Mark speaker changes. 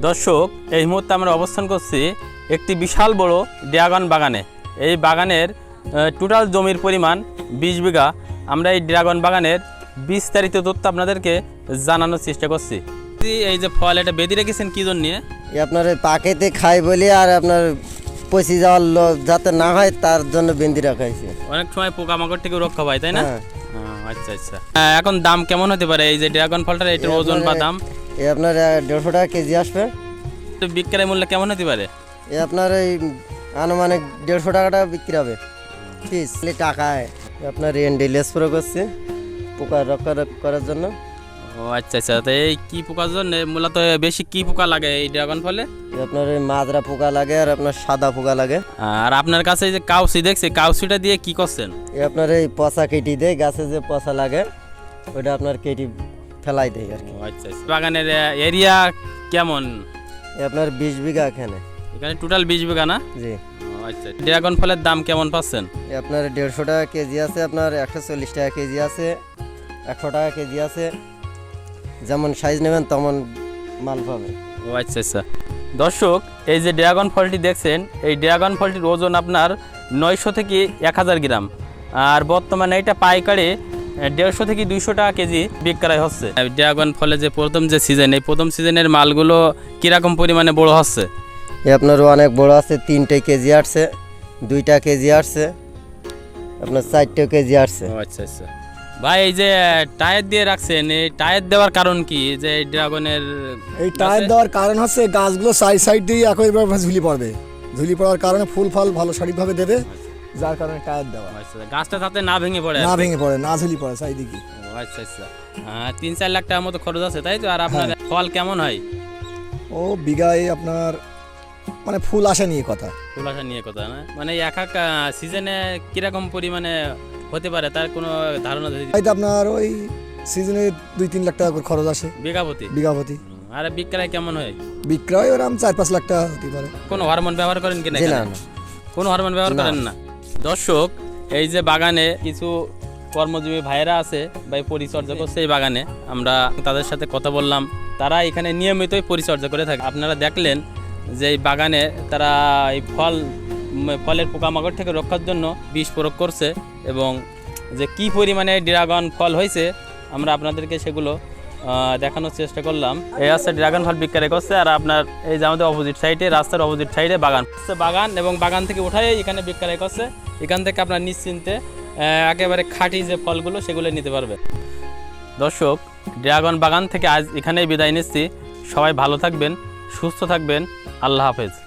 Speaker 1: দর্শক, এই মুহূর্তে আমরা অবস্থান করছি একটি বিশাল বড় ড্রাগন বাগানে। এই বাগানের টোটাল জমির পরিমাণ 20 বিঘা। আমরা এই ড্রাগন বাগানের বিস্তারিত তথ্য আপনাদেরকে জানানোর চেষ্টা করছি। এই যে ফল, এটা বেঁধে রেখেছেন কি জন্য?
Speaker 2: আপনার পাকেতে খাই বলি আর আপনার পচি যাওয়ার যাতে না হয় তার জন্য বেঁধে রাখা হয়েছে।
Speaker 1: অনেক সময় পোকামাকড় থেকে রক্ষা পায়, তাই না?
Speaker 2: হ্যাঁ।
Speaker 1: আচ্ছা আচ্ছা। এখন দাম কেমন হতে পারে এই যে ড্রাগন ফলটার? এটার ওজন বা দাম?
Speaker 2: এই আপনার 150 টাকা কেজি আসবে।
Speaker 1: বিক্রয় মূল্য কেমন হতে পারে?
Speaker 2: এই আপনার এই আনুমানিক 150 টাকাটা বিক্রি হবে পিস। টাকায় আপনার রেন্ডিলেস প্রয়োগ করছে পোকা রক্ষা করার জন্য।
Speaker 1: ও আচ্ছা আচ্ছা। তো এই কি পোকার জন্য মূলত বেশি কি পোকা লাগে এই ড্রাগন ফলে?
Speaker 2: আপনার ওই মাজরা পোকা লাগে আর আপনার সাদা পোকা লাগে।
Speaker 1: আর আপনার কাছে যে কাউসি দেখছি, কাউসিটা দিয়ে কি করছেন?
Speaker 2: এই আপনার এই পচা কেটে দেয়, গাছে যে পচা লাগে ওইটা আপনার কেটে ফেলাই দেয় আর কি।
Speaker 1: আচ্ছা আচ্ছা। বাগানের এরিয়া কেমন?
Speaker 2: এই আপনার 20 বিঘা এখানে
Speaker 1: টোটাল 20 বিঘা না?
Speaker 2: জি।
Speaker 1: আচ্ছা। ড্রাগন ফলের দাম কেমন পাচ্ছেন?
Speaker 2: এই আপনার 150 টাকা কেজি আছে, আপনার 140 টাকা কেজি আছে, 100 টাকা কেজি আছে। যেমন সাইজ নেবেন তেমন মাল পাবেন।
Speaker 1: ও আচ্ছা আচ্ছা। দর্শক, এই যে ড্রাগন ফলটি দেখছেন, এই ড্রাগন ফলটির ওজন আপনার 900 থেকে 1000 গ্রাম। আর বর্তমানে এটা পাইকারি 150 থেকে 200 টাকা কেজি বিক্রয় হচ্ছে। ড্রাগন ফলে যে প্রথম যে সিজন, এই প্রথম সিজনের মালগুলো কিরকম পরিমাণে বড় হচ্ছে?
Speaker 2: এই আপনার অনেক বড় আছে, 3টে কেজি আসছে, 2টা কেজি আসছে, আপনার 4টে কেজি আসছে।
Speaker 1: ও আচ্ছা আচ্ছা। ভাই, এই যে টায়ার দিয়ে রাখছেন, এই টায়ার দেওয়ার কারণ কি? যে এই ড্রাগনের
Speaker 3: এই টায়ার দেওয়ার কারণ হচ্ছে গাছগুলো সাইড দিয়ে একইভাবে ঝুলি পড়বে। ঝুলি পড়ার কারণে ফুল ফল ভালো সঠিকভাবে দেবে, যার কারণে টায়ার দেওয়া।
Speaker 1: আচ্ছা, গাছটা তাতে না ভেঙে পড়ে?
Speaker 3: না ভেঙে পড়ে, না ঝুলি পড়ে চারিদিকে।
Speaker 1: ও আচ্ছা আচ্ছা। 3-4 লাখ টাকার মতো খরচ আছে, তাই তো? আর আপনার ফল কেমন হয়?
Speaker 3: ও বিঘায় আপনার মানে ফুল আসা নিয়ে কথা।
Speaker 1: ফুল আসা নিয়ে কথা না? মানে এক এক সিজনে কিরকম পরিমাণে হতে পারে তার কোনো ধারণা?
Speaker 3: তাই তো আপনার ওই সিজনে 2-3 লাখ টাকা করে খরচ আসে
Speaker 1: বিঘাপতি। আর বিক্রয় কেমন হয়?
Speaker 3: বিক্রয় ওরকম 4-5 লাখ টাকা হতে পারে।
Speaker 1: কোনো হরমোন ব্যবহার করেন কিনা?
Speaker 2: জি না,
Speaker 1: কোনো হরমোন ব্যবহার করেন না। দর্শক, এই যে বাগানে কিছু কর্মজীবী ভাইয়েরা আছে বা পরিচর্যা করছে এই বাগানে, আমরা তাদের সাথে কথা বললাম। তারা এখানে নিয়মিতই পরিচর্যা করে থাকে। আপনারা দেখলেন যে এই বাগানে তারা এই ফলের পোকামাকড় থেকে রক্ষার জন্য বিষ প্রয়োগ করছে, এবং যে কি পরিমাণে ড্রাগন ফল হয়েছে আমরা আপনাদেরকে সেগুলো দেখানোর চেষ্টা করলাম। এই হচ্ছে ড্রাগন ফল বিক্রয় করছে। আর আপনার এই যে আমাদের অপোজিট সাইডে, রাস্তার অপোজিট সাইডে বাগান এবং বাগান থেকে উঠাই এখানে বিক্রয় করছে। এখান থেকে আপনার নিশ্চিন্তে একেবারে খাঁটি যে ফলগুলো সেগুলো নিতে পারবে। দর্শক, ড্রাগন বাগান থেকে আজ এখানেই বিদায় নিচ্ছি। সবাই ভালো থাকবেন, সুস্থ থাকবেন। আল্লাহ হাফেজ।